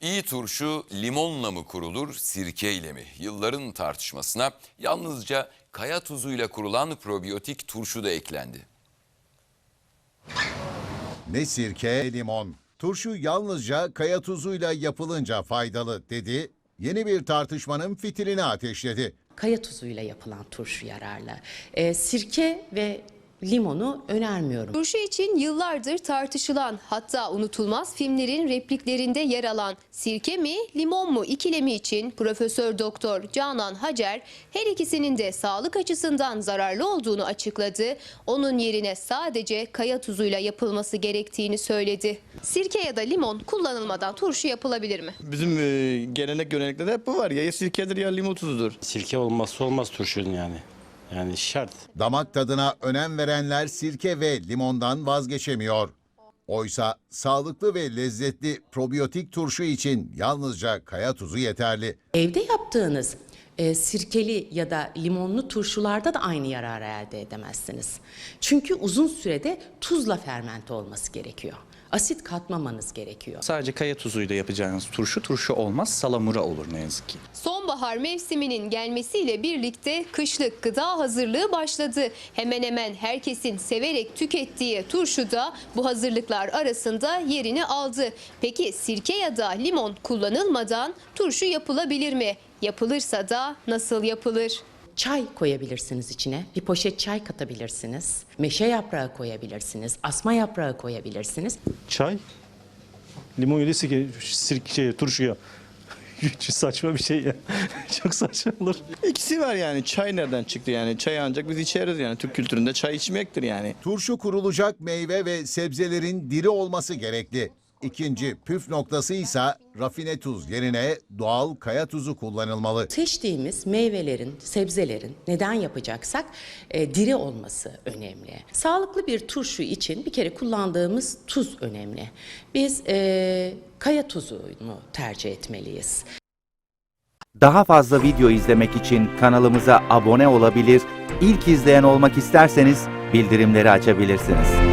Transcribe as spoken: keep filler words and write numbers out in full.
İyi turşu limonla mı kurulur, sirkeyle mi? Yılların tartışmasına yalnızca kaya tuzuyla kurulan probiyotik turşu da eklendi. Ne sirke, ne limon. Turşu yalnızca kaya tuzuyla yapılınca faydalı dedi. Yeni bir tartışmanın fitilini ateşledi. Kaya tuzuyla yapılan turşu yararlı. Ee, sirke ve limonu önermiyorum. Turşu için yıllardır tartışılan, hatta unutulmaz filmlerin repliklerinde yer alan sirke mi, limon mu ikilemi için Profesör Doktor Canan Hacer her ikisinin de sağlık açısından zararlı olduğunu açıkladı. Onun yerine sadece kaya tuzuyla yapılması gerektiğini söyledi. Sirke ya da limon kullanılmadan turşu yapılabilir mi? Bizim e, gelenek görenekte de hep bu var. Ya sirkedir ya limon tuzudur. Sirke olmazsa olmaz turşunun yani. Yani şart. Damak tadına önem verenler sirke ve limondan vazgeçemiyor. Oysa sağlıklı ve lezzetli probiyotik turşu için yalnızca kaya tuzu yeterli. Evde yaptığınız e, sirkeli ya da limonlu turşularda da aynı yararı elde edemezsiniz. Çünkü uzun sürede tuzla fermente olması gerekiyor. Asit katmamanız gerekiyor. Sadece kaya tuzuyla yapacağınız turşu turşu olmaz, salamura olur ne yazık ki. Sonbahar mevsiminin gelmesiyle birlikte kışlık gıda hazırlığı başladı. Hemen hemen herkesin severek tükettiği turşu da bu hazırlıklar arasında yerini aldı. Peki sirke ya da limon kullanılmadan turşu yapılabilir mi? Yapılırsa da nasıl yapılır? Çay koyabilirsiniz içine, bir poşet çay katabilirsiniz, meşe yaprağı koyabilirsiniz, asma yaprağı koyabilirsiniz. Çay, limon ile sirke, sirke şey, turşuya. Hiç saçma bir şey ya. Çok saçma olur. İkisi var yani. Çay nereden çıktı yani? Çay ancak biz içeriz yani. Türk kültüründe çay içmektir yani. Turşu kurulacak meyve ve sebzelerin diri olması gerekli. İkinci püf noktası ise rafine tuz yerine doğal kaya tuzu kullanılmalı. Seçtiğimiz meyvelerin, sebzelerin neden yapacaksak e, diri olması önemli. Sağlıklı bir turşu için bir kere kullandığımız tuz önemli. Biz e, kaya tuzunu tercih etmeliyiz. Daha fazla video izlemek için kanalımıza abone olabilir, ilk izleyen olmak isterseniz bildirimleri açabilirsiniz.